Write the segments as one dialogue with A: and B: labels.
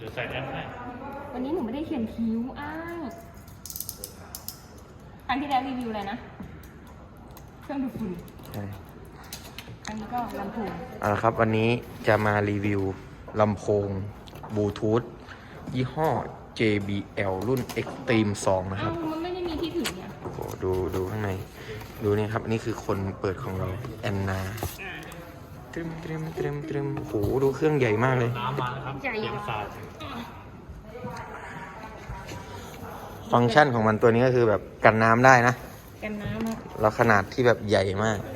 A: จะใส่แอปให้
B: วันนี้หนูไม่ได้เขียนคิ้วอ้าวครั้งที่แล้วรีวิวอะไรนะเครื่องดูดฝุ่น
C: ใช่
B: ครั้งนี้ก็ลำโพง
C: เอาละครับวันนี้จะมารีวิวลำโพงบลูทูธยี่ห้อ JBL รุ่น Extreme 2 นะครับ
B: มันไม่ได้มีที่ถือเนี่ย
C: โอ้โหดูข้างในดูนี่ครับนี่คือคนเปิดของเราแอนนาตรึมโอ้โหดูเครื่องใหญ่มากเลย
A: น้ำมาแล้วครับ
B: ใหญ่
A: สาด
C: ฟังก์ชันของมันตัวนี้ก็คือแบบกันน้ำได้นะ
B: กันน้ำ
C: แล้วขนาดที่แบบใหญ่มาก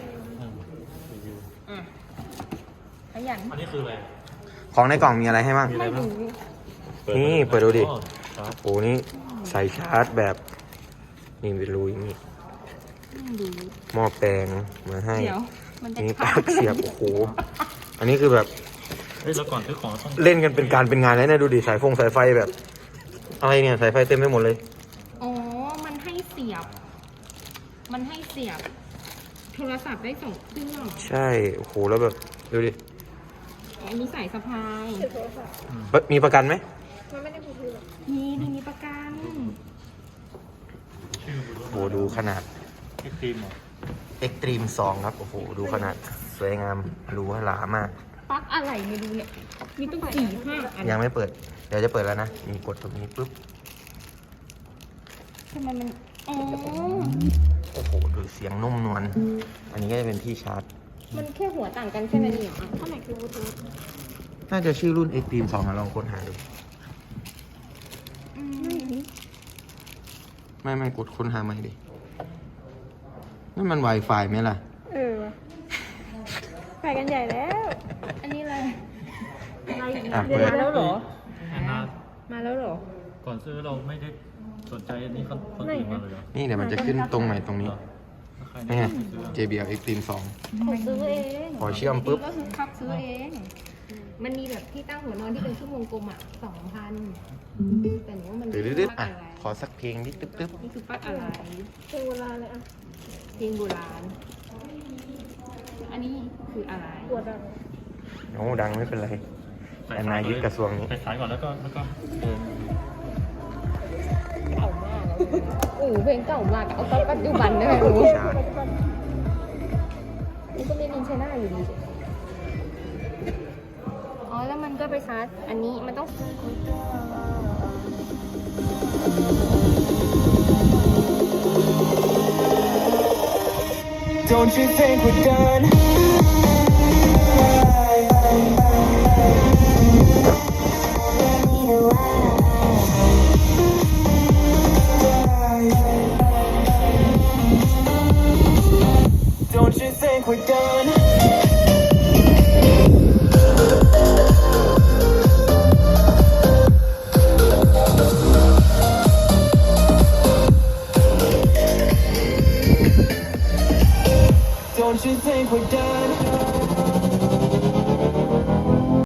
B: ขยัน
A: อันนี้คืออะไร
C: ของในกล่องมีอะไรให้บ้าง
B: ไม่รู้
C: นี่เปิดดูดิโอ้นี่ใส่ชาร์จแบบนี่เป็นรูอย่างนี้หม้อแปลงมาให้นี่ปลั๊กเสียบโอ้โหอันนี้คือแบบ
A: แล้วก่อนซื้อของต้อง
C: เล่นกันเป็นการเป็นงานแล้วนะดูดิสายไฟแบบอะไรเนี่ยสายไฟเต็มไปหมดเลย
B: อ๋อมันให้เสียบโทรศัพท์ได้2 เครื่อง
C: ใช่โอ้โหแล้วแบบดูดิ
B: อันนี้สายสะพาย
C: มีประกันไหม
B: มันไม่ได้พูดมีประกัน
C: โอ้โหดูขนาด Extreme 2 ครับโอ้โหดูขนาดสวยงามดูหลามาก
B: ปลั๊กอะไรไม่รู้เนี่ยมีต้อง4-5 อัน
C: ยังไม่เปิดเดี๋ยวจะเปิดแล้วนะมีกดตรงนี้ปุ๊บ
B: ทำไมมันอ๋อ
C: โอ้โหดูเสียงนุ่มนวลอันนี้ก็จะเป็นที่ชาร์จ
B: มันแค่หัวต่างกันใช่ไหมเนี่ยเท่าไหร่คือบลูทูธ
C: น่าจะชื่อรุ่น Extreme 2ลองค้นหาดูไม่กดค้นหาใหม่ดินั่นมัน Wi-Fi ไหมล่ะ
B: ไปกันใหญ่แล้วอันนี้อะไร
C: เปิด
B: แล้วเหรอ
A: มาแล้วเหรอก่อนซื้อเราไม่ได้สนใจอันนี้คนอื่นมาเลยเหรอ
C: นี่เดี๋ยวมันจะขึ้นตรงไหนตรงนี้นี่ JBL Extreme 2
B: ผมซื้อเอง
C: พอเชื่อมปุ๊บ
B: ก็คือคับซื้อเองมันมีแบบที่ตั้งหัวนอนที่เป็นชั่วโมงกลม2,000แต่หนูว่ามัน
C: ดื้อๆอ่ะขอสักเพลงนิดตึ๊บ
B: นี่คือปักอะไรเพลงโบราณเลยอ่ะเพลงโบราณอันนี้คืออะไร
C: ปวดโอ้ดังไม่เป็นไรแอนนายึดกระทรวงนี้
A: ไปสายก่อนแล้วก็เดิน
B: เก่ามากเพลงเก่ามากเอาตอนปัจจุบันได้ไหมรู้นี่ก็ไม่มีใช้หน้าอยู่ดีอ๋อแล้วมันก็ไปชาร์จอันนี้มันต้อง
D: Don't you think we're done? Don't you think we're done? Don't you think we're done?